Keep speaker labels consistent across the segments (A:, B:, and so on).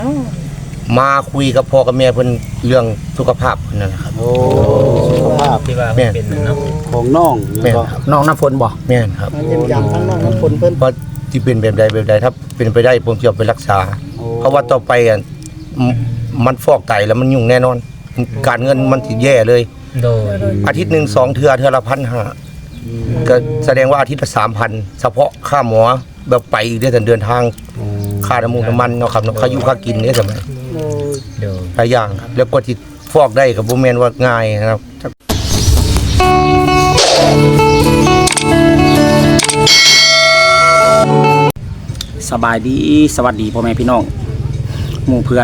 A: มาคุยกับพ่อกับแม่เพิ่นเรื่องสุขภาพนั่นแหละครับ
B: โอ้สุขภาพ
C: ที่ว่าเป็นเนาะ
B: ของน้อง
A: แม่น
B: ก็
A: ครับ
D: น้องน้ำฝนบ่
A: แม่นครับ
E: เยี่ยมยามทั้งน้องน้ำฝนเพิ่น
A: เพราะที่เป็นแบบใดถ้าเป็นไปได้ผมจะเอาไปรักษา เพราะว่าต่อไปมันฟอกไตแล้วมันยุ่งแน่นอน การเงินมันสิแย่เลย
C: โดย
A: อาทิตย์หนึ่ง2 เทื่อละ1,500ก็แสดงว่าอาทิตย์ละ 3,000เฉพาะค่าหมอแบบไปอีกเดือนทางค่าน้ำมันเนาะครับค่าอยู่ค่ากินเนี่ยสมัย
C: โดย
A: หลายอย่างแล้วก็ที่ฟอกได้กับบ่แม่นว่าง่ายนะครับ
D: สบายดีสวัสดีพ่อแม่พี่น้องหมู่เพื่อน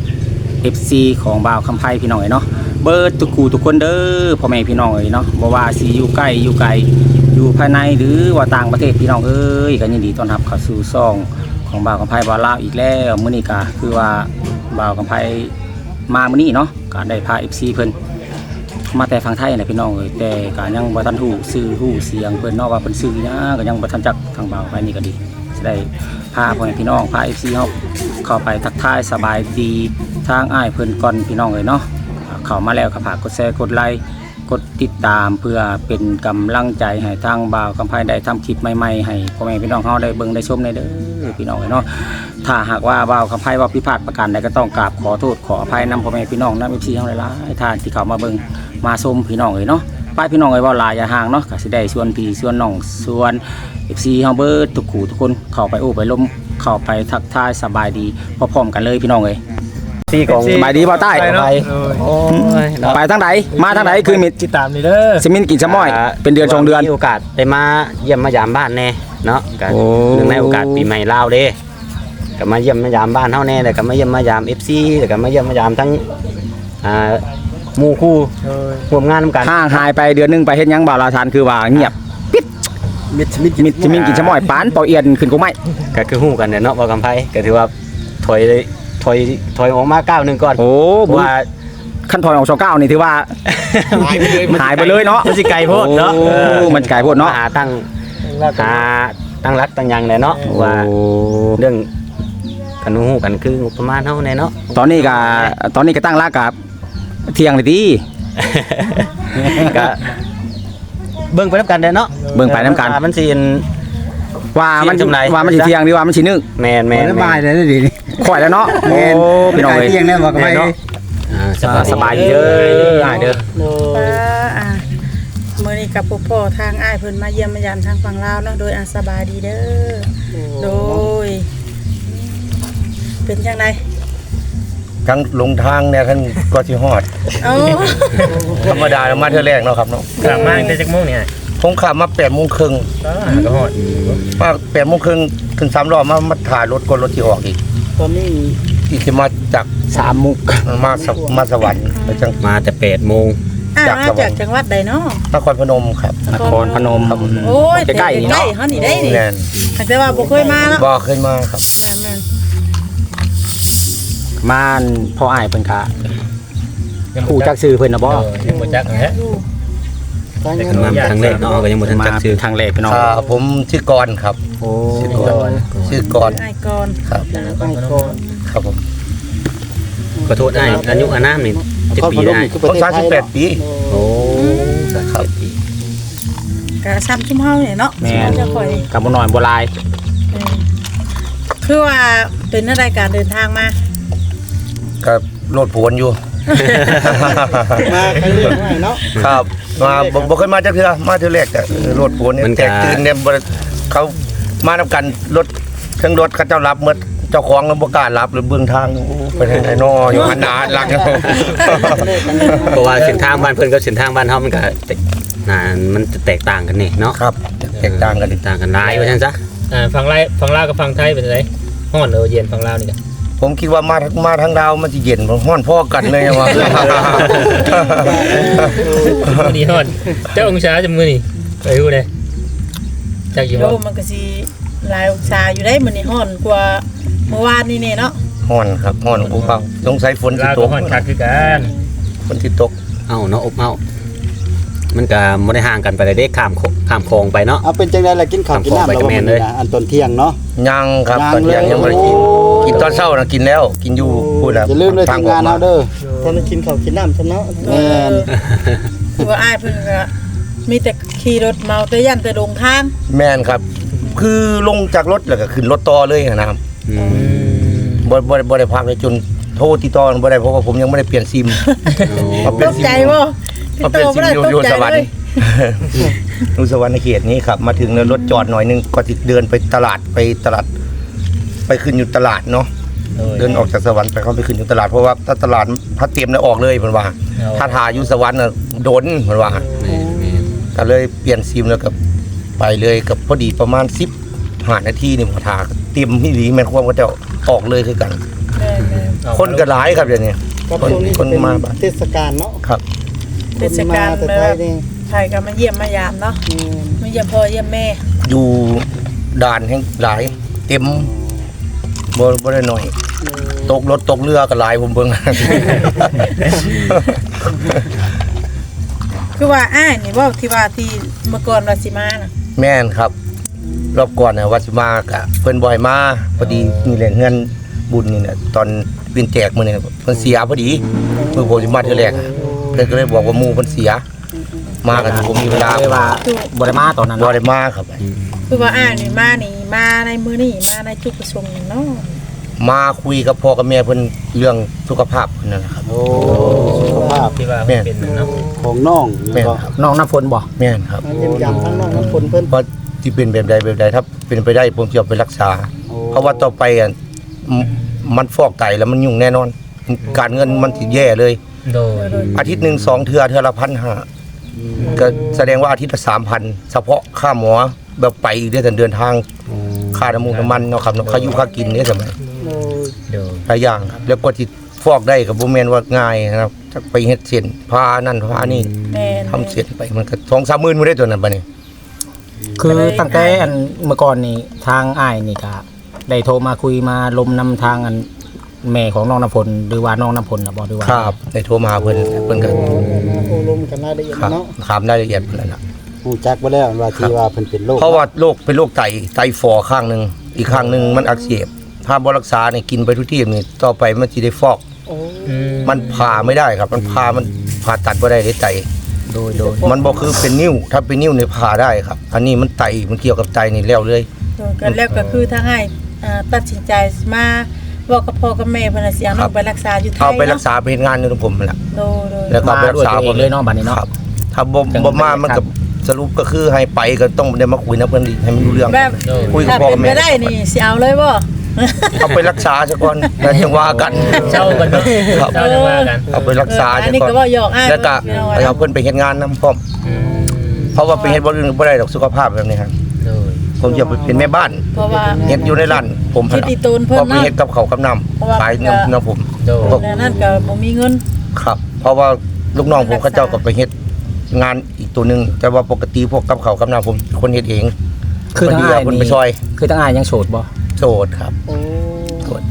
D: FC ของบ่าวคำไพ่พี่น้องเนาะเบิร์ดทุกคนเด้อพ่อแม่พี่น้องเนาะบ่ว่าสิอยู่ใกล้อยู่ไกลอยู่ภายในหรือว่าต่างประเทศพี่น้องก็ยินดีต้อนรับเข้าสู่ช่องของบ่าวคำไพ่บ่าวลาวอีกแล้วมื้อนี้ก็คือว่าบ่าวคำไพ่มามื้อนี้เนาะก็ได้พา FC เพิ่นมาแต่ฝั่งไทยนะพี่น้องแต่ก็ยังบ่ทันฮู้ชื่อฮู้เสียงเพิ่นเนาะว่าเพิ่นชื่อหยังก็ยังบ่ทันจักทางบ่าวคำไพ่นี่ก็ดีจะได้พาพ่อแม่พี่น้องพา FC เฮาเข้าไปทักทายสบายดีทางอ้ายเพิ่นก่อนพี่น้องเนาะเข้ามาแล้วก็ฝากกดแชร์กดไลค์กดติดตามเพื่อเป็นกำลังใจให้ทางบ่าวคำไพ่ได้ทำคลิปใหม่ๆให้พ่อแม่พี่น้องเฮาได้เบิ่งได้ชมได้เด้อพี่น้องเนาะถ้าหากว่าบ่าวคำไพ่ว่าผิดพลาดประการใดก็ต้องกราบขอโทษขออภัยนำพ่อแม่พี่น้องนำ FC เฮาหลายๆท่านที่เข้ามาเบิ่งมาชมพี่น้องเนาะป้ายพี่น้องเว้าหลายอย่าห่างเนาะก็สิได้ชวนพี่ชวนน้องชวน FC เฮาเบิดทุกคนเข้าไปโอ้ไปล้มเข้าไปทักทายสบายดีพร้อมๆกันเลยพี่น้องที่ของสบายดีบ่าวใต้ไปไปทางไหนมาทางไหนคือมิด
C: ติดตามนี่เด้อ
D: สมินกินชะม้อยเป็นเดือน2 เดือน
F: มีโอกาสได้มาเยี่ยมมายามบ้านแน่เนาะก็
D: โอ้
F: เนื่องในโอกาสปีใหม่ลาวเด้ก็มาเยี่ยมมายามบ้านเฮาแน่แล้วก็มาเยี่ยมมายาม FC แล้วก็มาเยี่ยมมายามทั้งหมู่คู่ร่วมงานนำกัน
D: ห่างหายไปเดือนนึงไปเฮ็ดหยังบ่าวลาทานคือว่าเงียบปิด
B: มิดมิด
D: มิดสมินกินชะม้อยปานเป่าเอียนขึ้นกูไม่
F: ก็คือฮู้กันเนาะว่ากำไผก็ถือว่าถอยออกมาก้าวหนึงก่อน
D: โอ้
F: เพราะว่า
D: ขั้นตอนของ29นี่ถือว่าหายไปเลยเนาะ
F: มันสิไกลโพดเนาะ
D: โอ้มันไกลโพดเนาะ
F: หาตั้งรักตั้งหยังแน่เนาะว่าเรื่องกันฮู้กันคืองบประมาณเฮาแน่เนาะ
D: ตอนนี้ก็ตั้งรักกับเที่ยงเลยติ
F: ก็เบิ่งไปนำกันเด้อเนาะ
D: เบิ่งไปนำกัน
F: มันสิ
D: ว่ามัน
F: เที่ยงจำไร
D: ว่ามันสิเที่ยงดีว่ามันสินึก
F: แม่น
B: สบายเลยดีนี่
D: ข่อยแล้วเนาะโอ้พี่น้องเอ้ย
B: เที่ยงแน่บอกไป
D: สบายดีเด้ออ้ายเด้อ
E: มื้อนี้กับพ่อทางอ้ายเพิ่นมาเยี่ยมมายามทางฝั่งลาวเนาะโดยสบายดีเด้อโดยเป็นจังได
A: ทั้งลงทางเนี่ยท่านก็สิฮอด
E: เอ้า
A: ธรรมดามาเทื่อแรกเนาะครับเนาะ
C: กลับมาตั้งแต่จักโมงเนี่ย
A: ผมขับมา8:30น
C: ก็ฮอด
A: มา8:30นขึ้น3 รอบมาถ่ายรถรถที่ออกอีก
E: ตอนนี้
A: ที่สิมาจาก
D: 3 มุก
A: มาสวรรค์แล้วจัง
F: มาแต่8 โมง
E: มาจากจังหวัดใดเนาะ
A: นครพนมครับ
D: นครพนม
E: โอ้ย
D: ใกล้ๆนี่เนาะ
E: เฮานี่ได้นี่
A: แน่น
E: แต่ว่าบ่เคยมาเนาะ
A: บ่เคยมาครับ
E: แม่น
D: ม่านพ่ออ้ายเพิ่นก็ฮู้จักชื่อเพิ่นน่ะบ่
C: ยังบ่จักฮะ
F: แต่กันมาครั้งแรกเนาะก็ยังบ่ทัน
D: มา
F: จักชื่อ
D: ทางแรกพี่น้อง
A: ผมชื่อกรณ์ครับ
D: โอ้
A: ชื่อกรณ์
E: อ้ายก่อน
A: ครับ
C: ก่อน
A: ครับผม
F: ขอโทษอ้ายอายุอานามนี่จะปีได้
A: ผม38 ปี
F: โอ้
A: ครับ
F: ปี
E: ก็ซ้ำชุมเฮาเนี่ยเนาะ
D: แม่น
E: จะค่อย
D: กับบ่น้อยบ่หลาย
E: คือว่าเป็นรายการเดินทางมา
A: ก็โลดผวนอยู่
B: มาไปเรื่อยๆเนาะ
A: ครับมาบ่เคยมาจักเทื่อมาเทื่อแรกแต่รถผวนเนี่ยแตกตื่นเนี่ยบ่เขามานํกันรถเครื่องรถเขาเจ้ารับหมดเจ้าของบ่กล้ารับหรือเบื้องทางไปทางไหนน้ออยู่หันหน้าหลัง
F: เพราะว่าเส้นทางบ้านเพิ่นกับเส้นทางบ้านเฮามันก็มันจะแตกต่างกันนี่เนาะ
A: ครับแตกต่างกัน
F: แตกต่างกันหลายว่าซั่นซะ
C: ฝั่งลาวกับฝั่งไทยเป็นไงฮ้อนเย็นฝั่งลาวนี่กัน
A: ผมคิดว่ามาทางดาวมันสิเย็นฮ้อนพอกันเลยว่า
C: มื้อนี้ฮ้อนเจ้าองศาจังมื้อนี้ไปฮู้เด้จักอยู่
E: โล
C: บ่
E: มันก็สิหลายองศาอยู่ได้มื้อนี้ร้อนกว่าเมื่อวานนี่แน่เนาะ
A: ฮ้อนครับฮ้อนภูเขาสงสัยฝนสิ
C: ลาว
A: ต
C: ก็
A: ก
C: ฮ้อนคักคือกัน
A: ฝนสิตก
F: เอ้าเนาะอบเอ้ามันก็บ่ได้ห่างกันไปเลยเด้ข้ามคลองไปเนาะ
B: เอาเป็นจังได๋ล่ะกินข้าวกินน้ำแล้วบ่อันตอนเที่ยงเนาะ
A: ยังครับ
B: ยัง
A: ตอนเที่ยง
B: เลย
A: ยังบ่ได้กินกินตอนเช้านะกินแล้วกินอยู่พูดนะ
B: อย่าลืมเลยทีมงานเฮาเด้อ
G: ตอนนี้กินข้าวกินน้ำซะเนาะ
B: แม่น
E: คือว่าอ้ายเพิ่นก็มีแต่ขี่รถเมาแต่ยันแต่ลงทาง
A: แม่นครับ คือลงจากรถแล้วก็ขึ้นรถต่อเลยนะครับ
F: อืม
A: บ่ได้พักเลยจนโทรติดต่อบ่ได้เพราะว่าผมยังไม่ได้เปลี่ยนซิมมาเป
E: ต
A: ลี่ยน
E: ก
A: ซิม
E: ใจ
A: อยู่
E: บ่
A: มาเปลี่ยนซิมอยู่สวรรค์
E: เลย
A: อยู่สวรรค์ในเขตนี้ครับมาถึงแล้วรถจอดหน่อยนึงก็สิเดินไปตลาดไปขึ้นอยู่ตลาดเนาะเดินออกจากสวรรค์ไปเข้าไปขึ้นอยู่ตลาดเพราะว่าถ้าตลาดถ้าเตรียมแล้วออกเลยเพิ่นว่า ถ้าทาอยู่สวรรค์น่ะโดนเพิ่นว่า ก็เลยเปลี่ยนซิมแล้วก็ไปเลยกับพอดีประมาณ15นาทีนี่พอทาเตรียมที่ดีแม่นความก็จะออกเลยคือกัน
E: แม่น
A: คนก็หลายครับเดี๋ยวนี้
G: กับ
A: คน
G: ช่วงนี้
A: คน
G: เป็น
A: มาบ้าน
G: เทศกาลเนาะ
A: ครับ
E: ๆเทศกาล
G: แต่
E: แบ
G: ไทย
E: บ
G: นี่
E: ไทยก็มาเยี่ยมมายามเนาะมาเยี่ยมพ่อเยี่ยมแม่
A: อยู่ด่านแห่งหลายเต็มบ่ได้น้อย ตกรถตกเรือก็หลายผมเบิ่ง
E: คือว่าอ้ายนี่เว้าที่ว่าที่เมื่อก่อนว่าสิมาน่ะ
A: แม่นครับ รอบก่อนน่ะวัดสิมากะเพิ่นบ่ให้มาพอดีนี่แหละเงินบุญนี่น่ะตอนวินแจกมื้อนี้น่ะเพิ่นเสียพอดีมื้อผมสิมาเทื่อแรกอะเพิ่นก็เลยบอกว่าหมู่เพิ่นเสีย มากันผมมีเวลา
D: เลยว่าบ่ได้มาตอนนั้น
A: บ่
D: เนาะ
A: ได้มาครับ
E: คือว่าอ้ายนี่มาในมื้อนี้มาในจุดประสงค์เนาะ
A: มาคุยกับพ่อกับแม่เพิ่นเรื่องสุขภาพเพิ่นนั่นแหละครับ
B: โอ้สุขภาพ
C: ที่ว่า
A: แม่
C: เป็นเนาะ
B: ของน้อง
A: แม่น
B: ก็
A: ครับ
D: น้องน้ำฝนบ่
A: แม่นครับ
G: มาเยี่ยมยามทั้งน้องทั้งคนเพิ่น
A: ว่าที่เป็นแบบใดถ้าเป็นไปได้ผมจะเอาไปรักษา
B: โอ้
A: เพราะว่าต่อไปอ่ะมันฟอกไตแล้วมันยุ่งแน่นอน การเงินมันสิแย่เลย
C: โดย
A: อาทิตย์หนึ่ง2 เทื่อละ1,500ก็แสดงว่าอาทิตย์ละ3,000เฉพาะค่าหมอแบบไปอีกเดือนเดินทางค่าน้ำมูกน้ำมันเนาะครับเนาะค่าอยู่ค่ากินเนี่ยสมัย
C: โดย
A: หลายอย่างครับแล้วก็ที่ฟอกได้กับบ่แม่นว่าง่ายนะครับจะไปเฮ็ดเส้นพานั่นพานี่
E: แม่น
A: ทำเส้นไปมันก็2-3 หมื่นบ่ได้ตัวนั้นบัดนี้
D: คือตั้งแต่อันเมื่อก่อนนี่ทางอ้ายนี่ก็ได้โทรมาคุยมาลมนำทางอันแม่ของน้องน้ำฝนหรือว่าน้องน้ำฝนน่ะบ่หรือว่า
A: ครับได้โทรมาหาเพิ่นก็
G: โอ้ลมกันรายละเอียด
A: ครับ
G: เนาะ
A: ถามรายละเอียดเพิ่นนั่นล่ะ
B: ฮู้จักบ่แล้วว่าที่ว่าเพิ่นเป็นโรค
A: เพราะว่าโรคเป็นโรคไตฝ่อข้างหนึงอีกข้างหนึงมันอักเสบถ้าบ่รักษาเนี่ยกินไปทุกที่นี่ต่อไปมันสิได้ฟอก
G: โอ้
A: มันผ่าไม่ได้ครับ มันผ่าตัดบ่ได้ในไต
D: โดย
A: มันบ่คือเป็นนิ้วถ้าเป็นนิ้วเนี่ยผ่าได้ครับ อันนี้มันไตมันเกี่ยวกับไตนี่แล้วเลย
E: กันแล้วก็คือทางอ้ายตัดสินใจมาเว้ากับพ่อกับแม่เพิ่นน่ะสิเอาน้องไปรักษาอยู่ไทย
A: เอาไปรักษาไปเฮ็ดงานอยู่ตรงผมนั่นแหละ
E: โดย
A: แล้วก็ไปรักษา
D: มาด้วยตัวเองเลยเนาะบัดนี้เนาะ
A: ครับถ้าบ่มามันก็สรุปก็คือให้ไปก็ต้องได้มาคุยนะเพิ่นอีกให้มันรู้เรื่อง
E: แบบ
A: คุยกับ
E: ถ้า
A: พ่อ
E: เป็
A: กับ
E: น
A: แม่
E: ไปได้นี่สิเอาเลยบ่
A: เอาไปรักษาซะก่อนแล้วจังว่ากัน
C: เจ้ากันเนาะ
A: ครับ
C: เจ้าจะว่ากัน
A: เอาไปรักษา
E: อั
A: ซะ
E: นนี้
A: ก่อ
E: ก็
A: น
E: บ่หยอกอ้าย
A: แล้วก็ให้เอาเพิ่นไปเฮ็ดงานนํพร้อม
C: อืม
A: เพราะว่าไปเฮ็ดบ่อื่นบ่ได้ดอกสุขภาพแบบนี้ครับ
C: โดย
A: ผมจะไปเป็นแม่บ้าน
E: เพราะว่า
A: เฮ็ดอยู่ในร้านผม
E: คิดอีตูนเพิ่น
A: พอไป
E: เนาะ
A: เฮ็ดกับเขาวกับน้ำขายน้ำผม
C: โดย
E: แล้วนั่นก็บ่มีเงิน
A: ครับ เพราะว่าลูกน้องผมเขาเจ้าก็ไปเฮ็ดงานอีกตัวหนึงแต่ว่าปกติพวกกับเขาวกับน้ำผมคนเฮ็ดเอง
D: คือทาง
A: พดี
D: อ้าย
A: เพิ่น
D: นี่
A: ไปซอย
D: คือทางอ้ายยังโสดบ่
A: โสดครับ
G: โอ้
A: โสด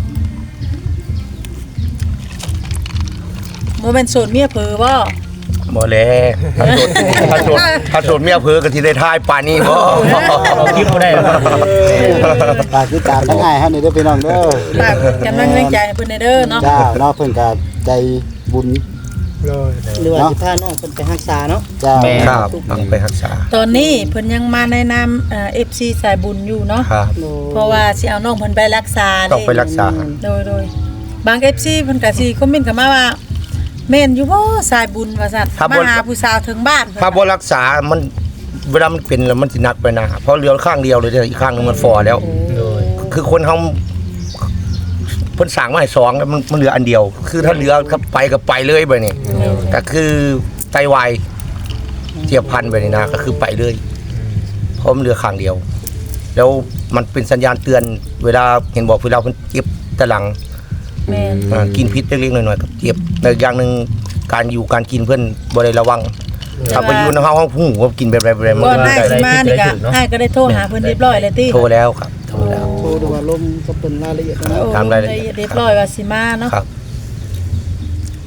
E: บ่แม่นโสดเมียเผลอบ่
A: บ่แล้วถ้าโสดเมียเผลอก็สิได้ทายป่านนี้บ่
C: เราคิดบ่ได้แล้ว
B: ฝากติดตามทั้งอ้ายเฮานี่เด้อพี่น้องเด้อ
E: ฝากกำลังใจให้เพิ่นเด้อเนาะ
B: จ้าเนาะเพิ่นก็ใจบุญ
G: หรือว่าสิพาน้องเพิ่นไปรักษาเนาะ
B: จ้า
D: แม่
A: ครับเอาไปรักษา
E: ตอนนี้เพิ่นยังมาในนามFC สายบุญอยู่เนาะ
A: ครับ
E: เพราะว่าสิเอาน้องเพิ่นไปรักษา
A: ต้องไปรักษา
E: โดยบาง FC เพิ่นก็สิคอมเมนต์เข้ามาว่าแม่นอยู่บ่สายบุญว่าซั่นมาหาผู้สาวถึงบ้าน
A: ถ้าบ่รักษามันเวลามันเป็นแล้วมันสิหนักไปนะเพราะเหลือข้างเดียวเลยเดี๋ยวอีกข้างหนึงมันฝ่อแล้ว
C: โดย
A: คือคนเฮาเพิ่นสั่งมาให้2แล้วมันเหลืออันเดียว คือถ้าเหลือก็ไปเลยไปนี่ก็คือไตวายเจียบพันไปนี่นะก็คือไปเลยเพราะมันเหลือข้างเดียว แล้วมันเป็นสัญญาณเตือน เวลาเห็นบอกเวลาเพิ่นเจ็บตะหลัง
E: แม่น
A: กินพิษเล็กๆน้อยๆก็เจ็บแต่อย่างหนึงการอยู่การกินเพิ่นบ่ได้ระวังถ้าไปอยู่ในห้องผู้ว่ากินแบบไรมัน
E: ก่อน
A: ก็
E: ได้สิมานี่ก็อ้ายก็ได้โทรหาเพิ่นเรียบร้อยแล้วติ
A: โทรแล้วครับโทรแล้ว
G: โทรดูว่าลมก็เป็นรายละเอียดเนาะ
E: โอ้
A: ตามรายละเอียด
E: เรียบร้อยว่าสิมาเนาะ
A: ครับ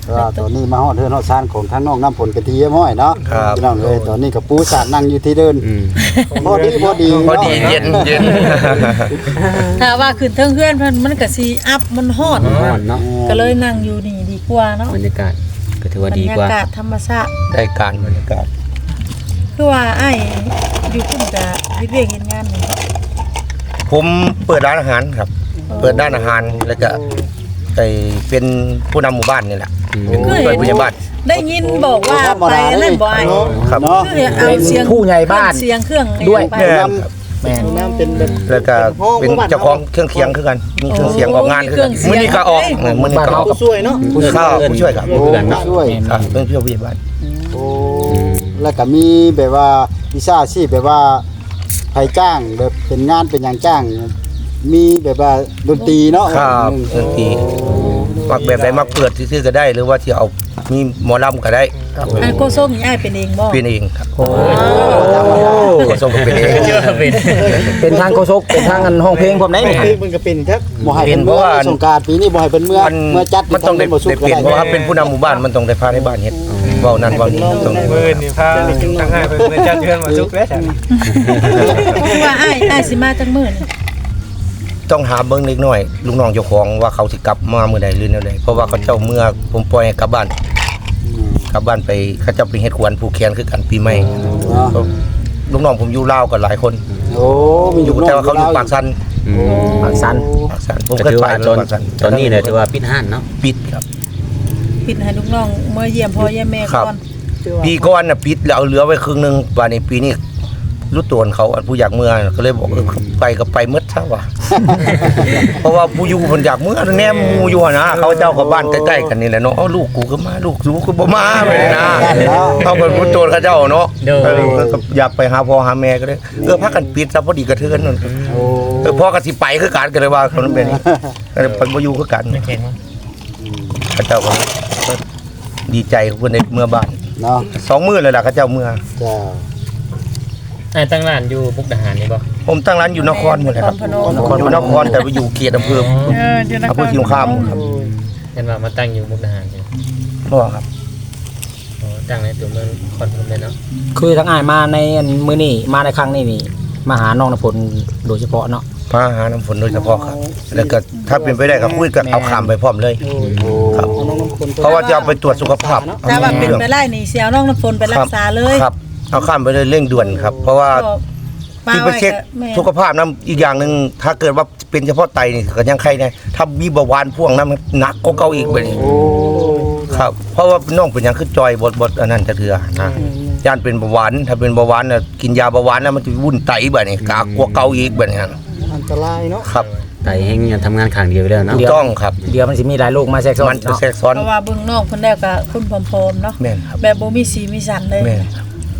B: ว่าตอนนี้มาฮอดเฮือนฮอดซานของทางน้องน้ำผลกะทิเยี่ยมห้อยเนาะ
A: ครับ
B: พี่น้องเอ้ยตอนนี้กับปูสาดนั่งอยู่ที่เดิน
F: อืม
B: พอดี
A: พอดีเย็น
E: ถ้าว่าขึ้นเทิงเฮือนเพิ่นมันก็สิอัพมันฮอด
F: ร้อนเนาะ
E: ก็เลยนั่งอยู่นี่ดีกว่าเนาะ
F: บรรยากาศก็ถือว่า
E: บร
F: ดี
E: ร
F: กว่า
E: ยากาศธรรมชาติ
A: ได้การบรรยากาศ
E: คือว่าอ้ายอยู่พุ่นก็เฮ็ดเวียกเฮ็ดงานนี่
A: ผมเปิดร้านอาหารครับ เปิดร้านอาหารแล้วก็ไปเป็นผู้นำหมู่บ้านนี่แหละเป็นผู้ช่วยผู้ใหญ่บ้าน
E: ได้ยินบอกว่าไปนั่นบ่อ้าย
A: ครับ
B: เนาะ
E: คือเอาเสียง
D: ผู้ใหญ่บ้าน
E: เสียงเครื่อง
D: ด้วย
E: ไป
A: แม่น
D: แม่น
G: น้ำเป็นแบบ
A: แล้วก็เป็นเจ้าของเครื่องเคียงคือกันมีเครื่องเสียงออกงานคือกันมื้อนี้ก็ออกมื้อนี้ก็ออก
G: ผู้ช่วยเนาะ
A: ผู้ช่วยครับ
B: โอ้ช่วย
A: ครับเป็นผู้ช่วยผู้ใหญ่บ้าน
B: โอ้แล้วก็มีแบบว่าวิชาชีพแบบว่าไผจ้างแบบเป็นงานเป็นหยังจ้าง มีแบบว่าดนตรีเนาะ
A: ครับดนตรีมักแบบใดมักเปิดซื่อๆก็ได้ หรือว่าที่เอามีหมอลำก็ได้ครับ
E: อ้ายโกส้มนี่อ้ายเป็นเองบ่
A: เป็นเองครับ
D: โอ้
A: ก็ส่งเป็นเอง
C: เชื่อเป็น
D: เป็นทางโคชกเป็นทางอันห้องเพลงผมได้นี่
G: มันก็เป็นครับ
B: บ่ให้เป็นเมื่อสงกรานต์ปีนี้บ่ให้เป็นเมื่อ
A: มัน
B: จัด
A: มันต้องได้
B: บ่สุก
A: เปลี่ยนเพราะว่าเป็นผู้นำหมู่บ้านมันต้องได้พาในบ้านเฮ็ดเว้านั่นเว้านี่ต้อง
C: มือนี่พาตั้งให้เพิ่นจัดเฮือนมาจุกแล้ว
E: คือว่าอ้ายสิมาจังมื้อนี่
A: ต้องหาเบิ่งเล็กน้อยลูกน้องเจ้าของว่าเขาสิกลับมามื้อใดหรือแนวใดเพราะว่าเขาเจ้าเมื่อผมปล่อยให้กลับบ้านไปเขาเจ้าไปเฮ็ดควนผูกแขนคือกันปีใหม่ ลูกน้องผมอยู่ลาวกันหลายคน
B: โอ้มี
A: อยู่แต่ว่าเขาอยู่ปากสัน
F: อืม
D: ปากสัน
A: ผม
F: ก็
A: เคย
F: ถือ
A: ไป
F: ว่า
A: เลย
F: ตอน
A: ปากสัน
F: ตอนนี้เนี่ยถือว่าปิดห้านเนาะ
A: ปิดครับ
E: ปิดให้ลูกน้องเมื่อเยี่ยมพ่อเยี่ยมแม่
A: ครับ
E: ก่อน
A: ปีก่อนน่ะปิดแล้วเอาเหลือไว้ครึ่งนึงว่าในปีนี้รู้ตัวเขาอันผู้อยากเมื่อก็เลยบอกไปก็ไปหมดซะว่ะ เพราะว่าผู้อยู่เพิ่นอยากเมื่อแนมหมู่อยู่นะเขาเจ้ากับบ้านใกล้ๆกันนี่แหละเนาะเอาลูกกูก็มาลูกกูบ่มาไปเลยนะเขาเป็นผู้โจรเขาเจ้าเนาะก็อยากไปหาพ่อหาแม่ก็เลยพักกันปิดซะพอดีกระเทือนนั่น
B: โอ้
A: พ่อก็สิไปคือกันก็เลยว่าเขานั้นเป็นก็เลยไปบ่อยู่คือกัน
C: แข็ง
A: เขาเจ้าก็ดีใจเพิ่นได้เมื่อบ้าน
B: เนาะ
A: 2 มื้อเลยล่ะเขาเจ้าเมื่อ
B: จ้า
C: อ้ายตั้งร้านอยู่มุกดาหารนี่บ่
A: ผมตั้งร้านอยู่นครหมดเลยครับ
E: นครพนม
A: อยู่นครแต่ไปอยู่เขตอำเภอ
E: อยู่น
A: อำ
E: ค
A: เภอ
E: ร
A: สงครามครับ
C: เห็นว่ามาตั้งอยู่มุกดาหารใช่
A: พ่อครับ
C: โอ้ตั้งในตัวเมืองคอนพนมเลยเนาะ
D: คือทั้งอ้ายมาในอันมื้อนี้มาในครั้งนี้นี่มาหาน้องนพลโดยเฉพาะเนาะ
A: พาหาน้ำฝนโดยเฉพาะครับ แล้วก็ถ้าเป็นไปได้ก็คุยกับเอาข้ามไปพร้อมเลย ครับ
G: เอาน้องน้ำคน
A: เพราะว่าจะเอาไปตรวจสุขภาพ
E: ถ้าว่าเป็นไปได้นี่เสียน้องน้ำฝนไปรักษาเลย
A: ครับ เอาข้ามไปเลยเร่งด่วนครับ เพราะว่า
E: มา
A: ที่ไป
E: ไว้
A: เช็ค
E: ก็แม่
A: สุขภาพน้ำอีกอย่างหนึ่งถ้าเกิดว่าเป็นเฉพาะไตนี่ก็ยังใครเนี่ยถ้ามีเบาหวานพ่วงน้ำมันหนักก็เก่าอีกไปนี่
B: โอ้
A: ครับ เพราะว่าน้องเป็นอย่างขึ้นจอยบดอันนั้นจะเถื่อนะย่านเป็นเบาหวานถ้าเป็นเบาหวานน่ะกินยาเบาหวานแล้วมันจะวุ่นไตแบบนี้กากลัวเก่าอีกแบบนี้
G: อันตรายเนาะ
A: ครับ
F: ไต่แห้งยังทำงานข้างเดียวไปแล้วเนาะ
A: ถูกต้องครับ
D: เดี๋ยวมันสิมีหลายโรคมาแทรกซ้อ
A: มัน
D: น
A: จะ
D: เนาะ
A: แทรกซ้อน
E: เพราะว่าเบิ่งน้องเพิ่นแล้วก็คุณผอมๆเนาะ
A: แม่นครับ
E: แบบบ่มีสีมีสันเลย
A: แม่นครับ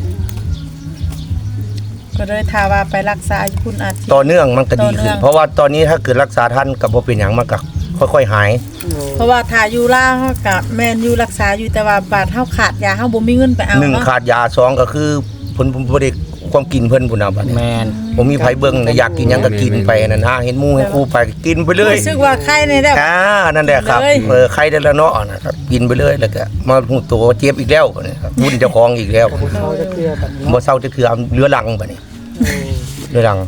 E: ก็เลยถ้าว่าไปรักษาอยู่พุ่นอาจสิ
A: ต่อเนื่องมันก็ดี
E: ต่อเนื่
A: ขึ้น
E: อง
A: เพราะว่าตอนนี้ถ้าเกิดรักษาท่านกับบ่เป็นอย่างมันก็ค่อยๆหาย
E: เพราะว่าถ้าอยู่ลาวเฮาก็แม่นอยู่รักษาอยู่แต่ว่าบาดเฮาขาดยาเฮาบ่มีเงินไปเอา
A: หนึ่ง
E: เนาะ
A: ขาดยาสองก็คือผลบ่ได้ความกินเพิ่นพุ่นน่ะบัดนี้
D: แมน
A: ผมมีไผเบิ่งอยากกินหยังก็กินไปนั่นนะเห็นหมู่ให้ครูไปก็กินไปเลย
E: รู้สึกว่าไข้ในได้
A: นั่นแหละครับ
E: เลย
A: ใครได้แล้วเนาะนะครับกินไปเลยแล้วก็มาหูตัวเจ็บอีกแล้วบัดนี้ครับวุ่นเจ้าของอีกแล้ว
G: เขาจะเคลียร์แบบนี้
A: บ่เศร้าจะเถื่อเรื้อรังบัดนี้เรื้อรัง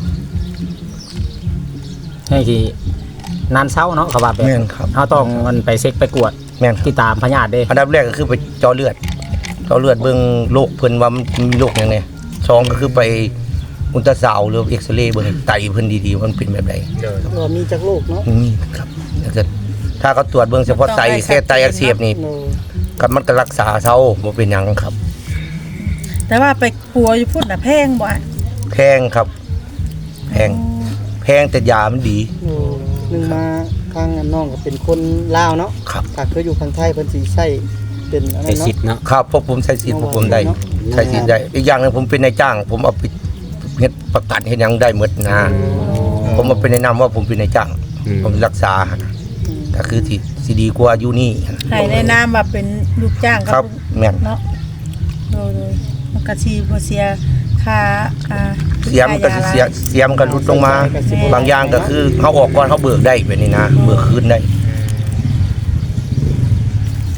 D: ให้ที่นานเช้าเนาะเขาว่าแบบ
A: แม่นครับ
D: เฮาต้องมันไปเช็คไปกวด
A: แม่นครับ
D: ที่ตามพยาธิเด้
A: อันดับแรกก็คือไปเจาะเลือดเบิ่งโรคเพิ่นว่ามันมีโรคหยังไงสองก็คือไปอุลตราซาวด์หรือเอ็กซเรย์เบิ่งไตเพิ่นดีๆว่ามันเป็นแบบใด
C: เดิน
G: ว่ามีจากโลกเนาะ
A: ครับแล้วก็ถ้าเขาตรวจเบิ่งเฉพาะไตแค่ไตอักเสบนี่
G: โน
A: ก็มันก็รักษาเซาบ่เป็นหยังครับ
E: แต่ว่าไปปัวอยู่พุ่นน่ะแพงบ่อะ
A: แพงครับแพงแต่ยามันดี
G: โนหนึ่งมาข้างน้องก็เป็นคนลาวเนาะ
A: ครับ
G: ถ้าเคยอยู่ข้างไทยเพิ่นสิใช้เป็นอัน
F: ใช้
G: นั้น
F: สิท
G: เนาะ
F: ธิ์เนาะ
A: ครับพวกผมใช้สิทธิ์พวกผมได้ใช้สิทธิ์ได้อีกอย่างหนึงผมเป็นนายจ้าง ผมเอาไปเฮ็ดประกันเฮ็ดหยังได้หมดนะผมมาเป็นแนะนำว่าผมเป็นนายจ้าง ผมรักษาก็คือสิดีกว่าอยู่นี่
E: ให้ในนามว่าเป็นลูกจ้าง
A: ครับแม่น
E: เนาะโดยมันก็สิบ่เสียค่า
A: เสียมก็สิเสียมก็ลดลงมา บางอย่างก็คือเขาออกก่อนเขาเบิกได้แบบนี้นะเบิกคืนได้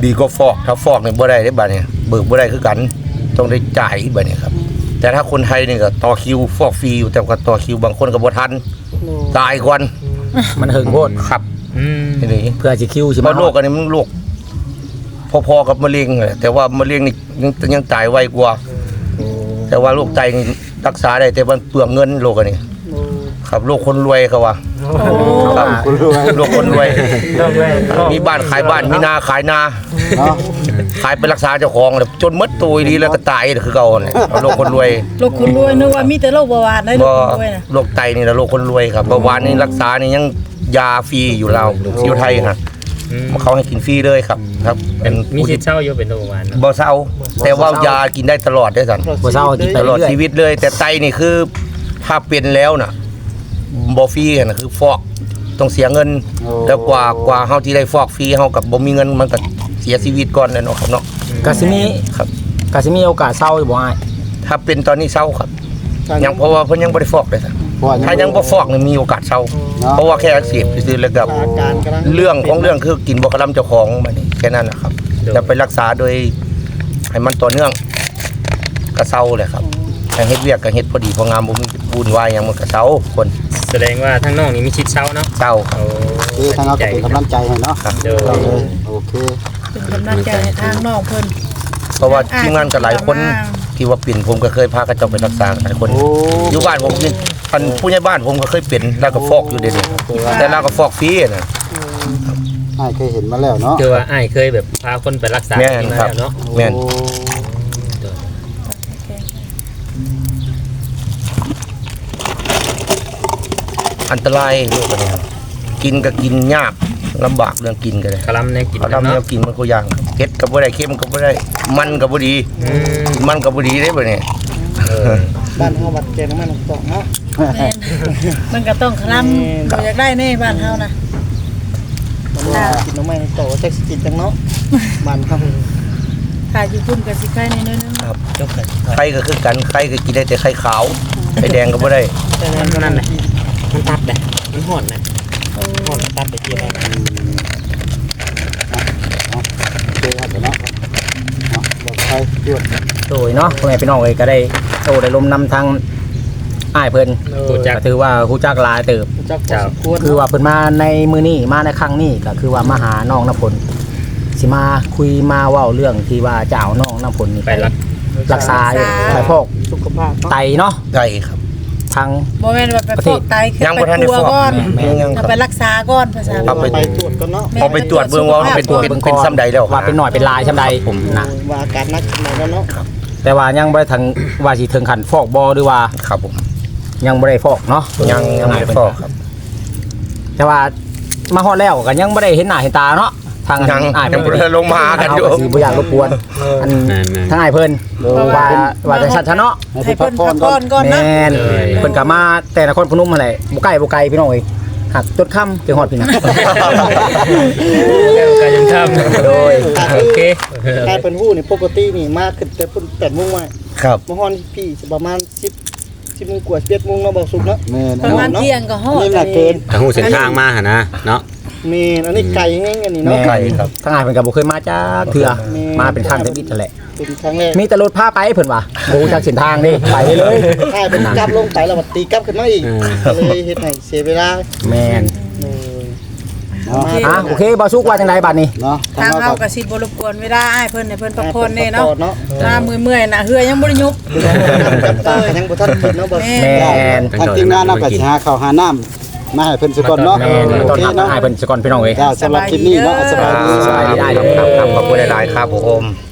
A: ดีก็ฟอกถ้าฟอกนี่บ่ได้ได้บัดนี้เบิกบ่ได้คือกันต้องได้จ่ายบัดนี้ครับแต่ถ้าคนไทยนี่ก็ต่อคิวฟอกฟรีอยู่แต่ก็ต่อคิวบางคนก็บ่ทันตายก่อน
D: มันหึงโพด
A: ครับ นี่
D: เพื่อสิคิวสิ
A: เพราะโรคอันนี้มันโรคพอๆกับมะเร็งเลยแต่ว่ามะเร็งนี่ยังตายไวกว่า แต่ว่าโรคไตนี่รักษาได้แต่มันเปลืองเงินโรคอันนี้ครับโรคคนรวยเขาว่าครับ
B: คุณรู้ไหม
A: โรคคนรวยมีบ้านขายบ้านมีนาขายนา
B: เนาะ
A: ขายไปรักษาเจ้าของเลยจนหมดตัวดีแล้วก็ตายคือเก่าเนี่ยโรคคนรวย
E: โรคคุณรวยนึกว่ามีแต่โรคเบาหวานได้โรคคุณรวยน่ะ
A: โรคไตนี่แหละโรคคนรวยครับเบาหวานนี่รักษานี่ยังยาฟรีอยู่เราอยู่ไทยฮะเขาให้กินฟรีเลยครับครับเป็น
C: มีสิทธิ์เช่าอยู่เป็นโรงพยาบาลเนาะ
A: บ่เศร้าแต่ว่ายากินได้ตลอดได้สัน
D: บ่เศร้ากินไป
A: ตลอด
D: เรื่อย
A: ชีวิตเลย แต่ไตนี่คือถ้าเป็นแล้วน่ะบ่ฟรีน่ะคือฟอกต้องเสียเงิน แล้วกว่าเฮาที่ได้ฟอกฟรีเฮากับบ่มีเงินมันก็เสียชีวิตก่อนแน่เนาะครับเนาะ
D: ๆก็สิมี
A: ครับ
D: ก็สิมีโอกาสเศร้าอยู่บ่อ้าย
A: ถ้าเป็นตอนนี้เศร้าครับยังเพราะว่าเพิ่นยังบ่ได้ฟอกเลยสันถ้ายังบ่ฟอกนี่มีโอกาสเศร้าเพราะว่าแค่อักเสบซื่อๆแล้วก็
G: อาการกำลัง
A: เรื่องของเรื่องคือกินบ่คลำเจ้าของบัดนี้แค่นั้นนะครับจะไปรักษาโดยให้มันต่อเนื่องก็เศร้าเลยครับให้เฮ็ดเวียกก็เฮ็ดพอดีพองามบ่มีวุ่นวายหยังมันก็เศร้าคน
C: แสดงว่าทั้งน้องนี่มีสิทธิ์เช่าเนาะ
A: เศร้าครับ
C: โอ้
B: คือทางเราก็เป็นกำลังใจให้เนาะ
C: เดี๋ยว
B: เอาเลยโอเค
E: เป็นกำลังใจให้ทางน้องเพิ่น
A: เพราะว่าทีมงานก็หลายคนที่ว่าเป็นผมก็เคยพาเขาเจ้าไปรักษาหลายคน
B: โอ้
A: อยู่บ้านผมนี่ท่านผู้ใหญ่บ้านผมก็เคยเป็นแล้วก็ฟอกอยู่เดี๋ยวนี้แต่เราก็ฟอกฟรีนะ
B: อ้ายเคยเห็นมาแล้วเนาะ
C: คือว่าอ้ายเคยแบบพาคนไปรักษา
A: แม่น
C: ที่มา
A: ครับ
C: แล้วเนาะ
A: แม่น
B: โอ้
A: อันตรายโรคอันนี้ครับกินก็กินยากลำบากเรื่องกินก็เลย
C: คลำในกิน
A: เขา
C: เนาะ
A: ทำแนวกินมันก็อย่างเผ็ดก็บ่ได้เค็มก็บ่ได้มันก็บ่ดี
C: อืม
A: มันก็บ่ดีได้บ่เนี่ย
G: บ้านเฮาวัดแกงน้ำมันตกเนาะ
E: แม่นมันก็ต้องคลำบ่อยากได้แน่บ้านเฮานะ
G: มันกินน้ำมันตกแท็กซี่กินจังเนาะบ้านเฮา
E: ถ้าอยู่พุ่นก็สิใกล้นิดนึง
G: จบกัน
A: ไข่ก็คือกันไข่ก็กินได้แต่ไข่ขาวไข่แดงก็บ่ได้
G: แต่นั่นแหละมันตัดเลยมันห่อนนะห่อนตัดไปเกี่ยวกัน
B: โอเคครับเดี๋ยวเนาะเนาะบอกใครด้วย
D: โดยเนาะพ่อแม่พี่น้องเอ้ยก็ได้โตได้ลมนำทางอ้ายเพิ่น
C: รู้จัก
D: ก็ถือว่าฮู้จักหลายเติบ
G: จักพอสมควร
D: คือว่าเพิ่นมาในมื้อนี้มาในครั้งนี้ก็คือว่ามาหาน้องน้ำฝนสิมาคุยมาเว้าเรื่องที่ว่าจะเอาน้องน้ำฝนนี่
C: ไป
D: ไปรักษาไปพอก
G: สุขภาพ
D: ไตเนาะ
A: ได้ครับ
D: ทาง
E: บ่แม่นว่าไปฟอกไตคือ
A: ยัง
E: ไป
A: บ่ทันได้
E: ปัว
A: ฟอก
E: ก่อน
A: แม่ยังค
E: เอา
A: รับ
E: ไปรักษาก่อนภาษา
A: เอาไป
G: ไปตรวจก่อนเนาะ
A: เอาไปตรวจเบิ่งว่ามันเป็นซ้ำใดแล้ว
D: ว่าเป็นหน่อยเป็นลายซ้ำใดผมนะ
G: ว่าอาการนักไหนแล้วเนาะ
D: แต่ว่ายังบ่ได้ทางว่าสิถึงขั้นฟอกบ่หรือว่า
A: ครับผม
D: ยังบ่ได้ฟอกเนาะ
A: ยังไม่ได้ฟอกครับ
D: แต่ว่ามาฮอดแล้วก็ยังบ่ได้เห็นหน้าเห็นตาเนาะทาง
A: ยัง
D: อ้าย
A: ยังบ่ได้ลงมาหากันอยู่
D: เาสิบ่อยากรบกวนอันทางอ้ายเพิ่นว่าจังซั่นซะเนาะ
B: ให้
E: ให้
B: เพิ่
E: เพิ่
B: น
E: น
B: พั
E: พั
B: ก
E: ก
B: ผ่อนก่อน น
E: ผ่อก่อนนะ
D: แม่นเพิ่นก็มาแต่นครพนมนั่นแหละบ่ไกลพี่น้องเอ้ยหักจดค่ำถึงฮอดพี่นะ
C: ก็ยังทำ
D: โดย
C: โอเค
G: กลายเป็นหู้นี่ปกตินี่มาขึ้นแต่เพิ่น8:00 นมา
A: ครับ
G: มาฮอนพี่สิประมาณ10 โมงกว่า11 โมงเนาะบอกสุกเนาะ
B: แม่น
E: ประมาณเที่ยงก็ฮอด
B: นี่น่ะเกิน
F: ทางหูเส้นทางมาหนนะเนาะ
G: แม่นอันนี้ไก่แห้งอันนี้
D: แม่
G: เนาะ
A: ไก่ครับ
D: ทางอ้ายเพิ่นก็บ่เคยมาจักเทื่อมาเป็นครั้งแต่บิดนั่นแหละ
G: เป็นครั้งแรก
D: มีแต่รถพาไปเพิ่นว่าบ่รู้จักเส้นทางนี่ไปได้เลย
G: ถ้าเป็นกลับลงไปแล้วบัดตีกลับขึ้นมาอีกก็เลยเฮ็ดให้เสียเวลา
D: แม่น
G: เออ
B: เนาะ
D: อ่ะโอเคบ่สุกว่าจังไดบัดนี้
B: เนาะ
E: ทาง
B: เรา
E: เฮา
B: ก็
E: ก็สิบ่รบกวนเวลาอ้ายเพิ่นให้เพิ่นพักผ่อนแน่เนาะ
G: เนาะ
E: หน้าเมื่อยๆน่ะเหือยังบ่ได้ยุบ
G: กับตายังบ่ทันกินเนาะบ่
E: แม่
D: แม่น
B: ทางทีมงานเราก็สิหาข้าวหาน้ำมาให้เพิ่นสักก่อนเนาะ
D: แม่น
B: โอ
D: ต้น
B: เค
D: ทาง
B: เนาะ
D: อ้ายเพิ่นสก่อนพี่น้องเอ้ย
B: จ้าสำหรับคลิปนี้เนาะสบายดี
D: สบายดีได้
A: ครับขอบคุณหลายๆครับผม